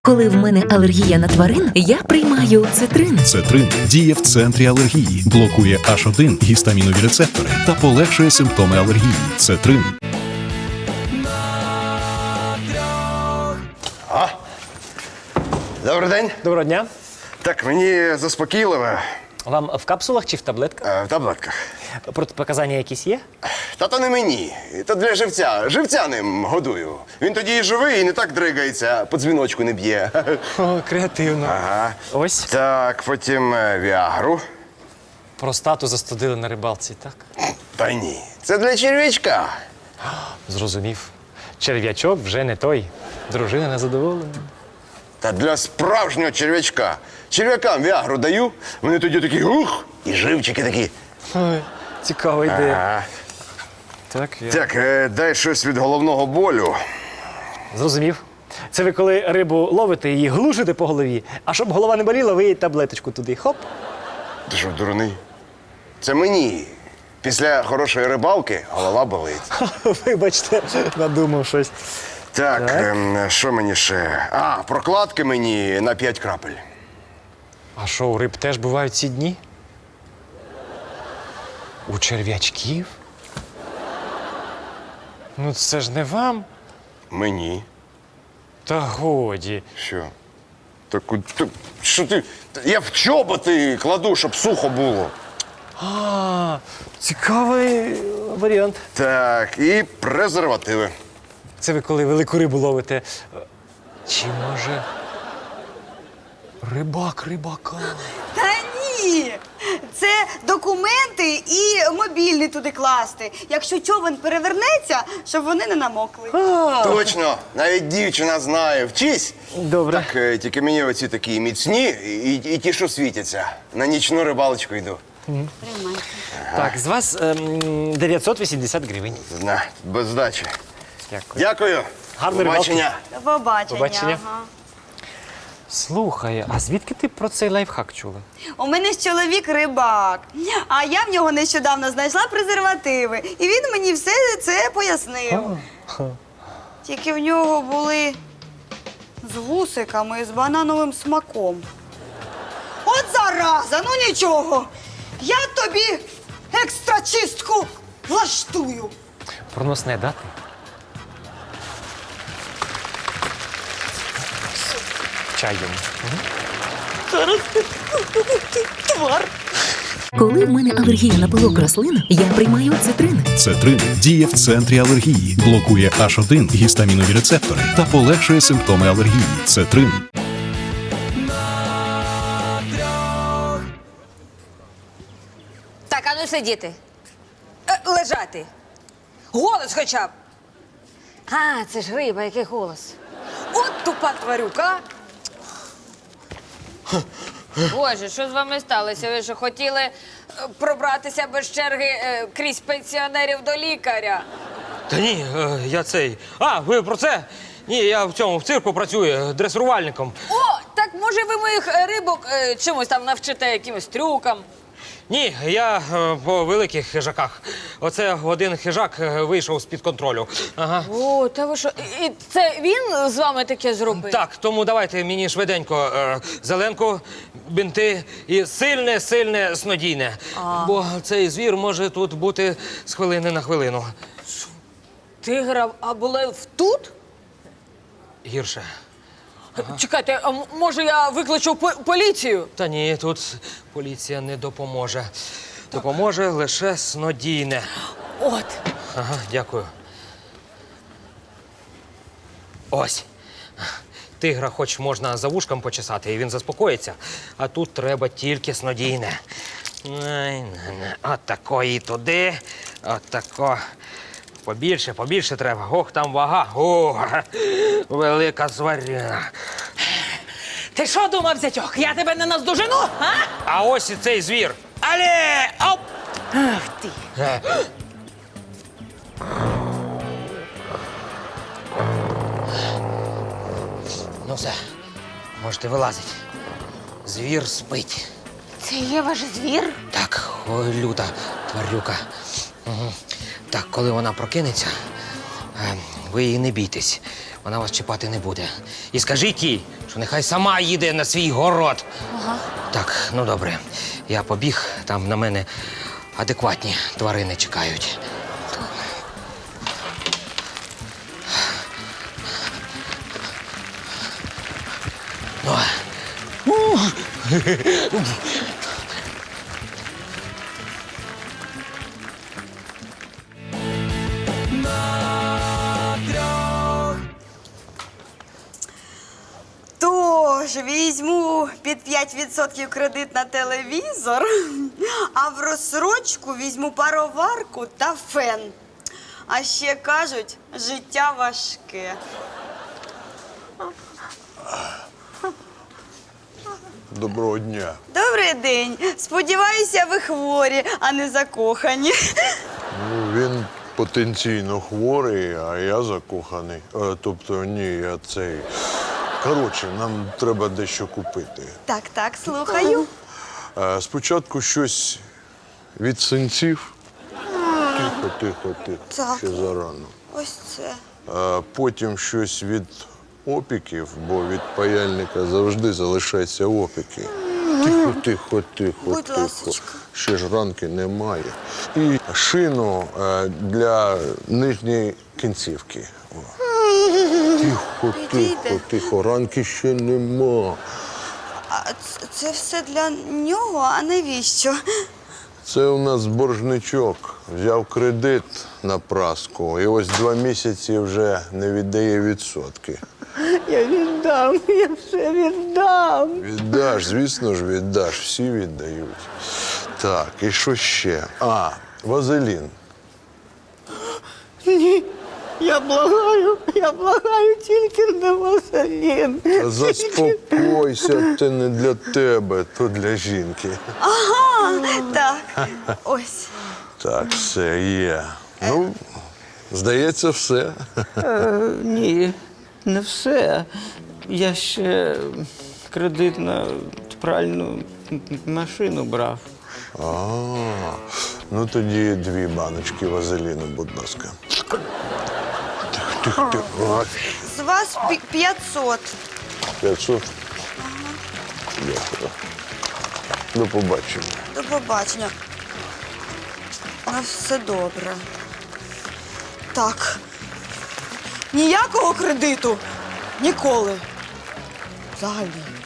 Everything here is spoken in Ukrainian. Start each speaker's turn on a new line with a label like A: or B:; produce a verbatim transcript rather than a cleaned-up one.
A: Коли в мене алергія на тварин, я приймаю цитрин.
B: Цетрин діє в центрі алергії, блокує аш один гістамінові рецептори та полегшує симптоми алергії. Цетрин.
C: Добрий день.
D: Доброго дня.
C: Так, мені заспокійливе.
D: Вам в капсулах чи в таблетках?
C: Е, в таблетках.
D: Протипоказання якісь є?
C: Та то не мені. То для живця. Живця ним годую. Він тоді і живий, і не так дригається, по дзвіночку не б'є.
D: О, креативно.
C: Ага.
D: Ось.
C: Так, потім е, віагру.
D: Простату застудили на рибалці, так?
C: Та ні. Це для черв'ячка.
D: Зрозумів. Черв'ячок вже не той. Дружина незадоволена.
C: Та для справжнього черв'ячка. Черв'якам віагру даю, вони тоді такі ух, і живчики такі.
D: Ой, цікава ідея.
C: Ага.
D: Так, я...
C: Так, е, дай щось від головного болю.
D: Зрозумів. Це ви коли рибу ловите, її глушите по голові, а щоб голова не боліла, ви їй таблеточку туди. Хоп.
C: Ти що, дурний? Це мені. Після хорошої рибалки голова болить.
D: Вибачте, надумав щось.
C: Так,
D: Так.
C: ем, що мені ще? А, прокладки мені на п'ять крапель.
D: А що, у риб теж бувають ці дні? У черв'ячків? Ну це ж не вам.
C: Мені.
D: Та годі.
C: Що? Так, от ти- що ти? Я в чоботи кладу, щоб сухо було.
D: А, цікавий варіант.
C: Так, і презервативи.
D: Це ви коли велику рибу ловите. Чи може рибак рибака?
E: Та ні! Це документи і мобільний туди класти. Якщо човен перевернеться, щоб вони не намокли.
C: Точно, навіть дівчина знає. Вчись.
D: Добре.
C: Так, е, тільки мені оці такі міцні і, і ті, що світяться. На нічну рибалочку йду.
E: Тримайте.
D: Так, з вас ем, дев'ятсот вісімдесят гривень.
C: На, без здачі.
D: Дякую.
C: Дякую.
D: Гарної
C: Побачення.
E: До побачення.
D: Побачення.
E: Ага.
D: Слухай, а звідки ти про цей лайфхак чула?
E: У мене ж чоловік рибак, а я в нього нещодавно знайшла презервативи. І він мені все це пояснив. Тільки в нього були з вусиками і з банановим смаком. От зараза, ну нічого. Я тобі екстра чистку влаштую.
D: Проносне дати? Чай йому.
E: Зараз твар.
A: Коли в мене алергія на пилок рослин, я приймаю цитрин.
B: Цетрин діє в центрі алергії, блокує аш один гістамінові рецептори та полегшує симптоми алергії. Цетрин.
F: Так, а ну сидіти. Е, лежати. Голос хоча б. А, це ж риба, який голос. От тупа тварюка. Боже, що з вами сталося? Ви що хотіли е, пробратися без черги е, крізь пенсіонерів до лікаря?
G: Та ні, е, я цей. А, ви про це? Ні, я в цьому в цирку працюю дресирувальником.
F: О, так може ви моїх е, рибок е, чимось там навчите, якимось трюкам?
G: Ні, я е, по великих хижаках. Оце один хижак е, вийшов з-під контролю. Ага.
F: О, та ви що? І це він з вами таке зробив?
G: Так, тому давайте мені швиденько е, зеленку, бинти і сильне, сильне снодійне. Бо цей звір може тут бути з хвилини на хвилину.
F: Тигра, а були тут?
G: Гірше.
F: Чекайте, а м- може я викличу по- поліцію?
G: Та ні, тут поліція не допоможе. Допоможе лише снодійне.
F: От.
G: Ага, дякую. Ось. Тигра хоч можна за вушком почесати, і він заспокоїться. А тут треба тільки снодійне. Най-най-най. От такої туди. От тако. Побільше, побільше треба. Ох, там вага. О, велика зваріна.
F: Ти що думав, зятьок? Я тебе не наздожену, а?
G: А ось і цей звір. Але! Оп!
F: Ах ти.
G: Ну все, можете вилазити. Звір спить.
F: Це є ваш звір?
G: Так, ой, люта тварюка. Угу. Так, коли вона прокинеться, е, ви її не бійтесь. Вона вас чіпати не буде. І скажіть їй, що нехай сама їде на свій город. Ага. Так, ну добре. Я побіг, там на мене адекватні тварини чекають.
E: Тож візьму під п'ять відсотків кредит на телевізор, а в розсрочку візьму пароварку та фен. А ще кажуть, життя важке.
H: Доброго дня.
E: Добрий день. Сподіваюся, ви хворі, а не закохані.
H: Ну, він потенційно хворий, а я закоханий. Е, тобто, ні, я цей. Коротше, нам треба дещо купити.
E: Так, так, слухаю.
H: Е, спочатку щось від синців. Тихо, тихо, тихо.
E: Так.
H: Ще зарано.
E: Ось це.
H: Е, потім щось від опіків, бо від паяльника завжди залишаються опіки. Тихо, тихо, тихо,
E: Будь
H: тихо.
E: ласочка.
H: Ще ж ранки немає. І шину е, для нижньої кінцівки. О. Тихо,
E: Підійде.
H: тихо, тихо. Ранки ще нема.
E: А це, це все для нього, а навіщо?
H: Це у нас боржничок. Взяв кредит на праску і ось два місяці вже не віддає відсотки.
I: Я віддам, я все віддам.
H: Віддаш, звісно ж, віддаш. Всі віддають. Так, і що ще? А, вазелін.
I: Ні, я благаю, я благаю тільки не вазелін.
H: Та заспокойся, це не для тебе, то для жінки.
E: Ага, так. Ось.
H: Так, все є. Ну, здається, все.
I: Е, ні, не все. Я ще кредит на пральну м- машину брав.
H: А, ну тоді дві баночки вазеліну, будь ласка. Тихо, тихо, тихо.
E: З вас пі- п'ятсот.
H: п'ятсот. Дякую. До побачення.
E: До побачення. У нас все добре. Так. Ніякого кредиту. Ніколи. Взагалі.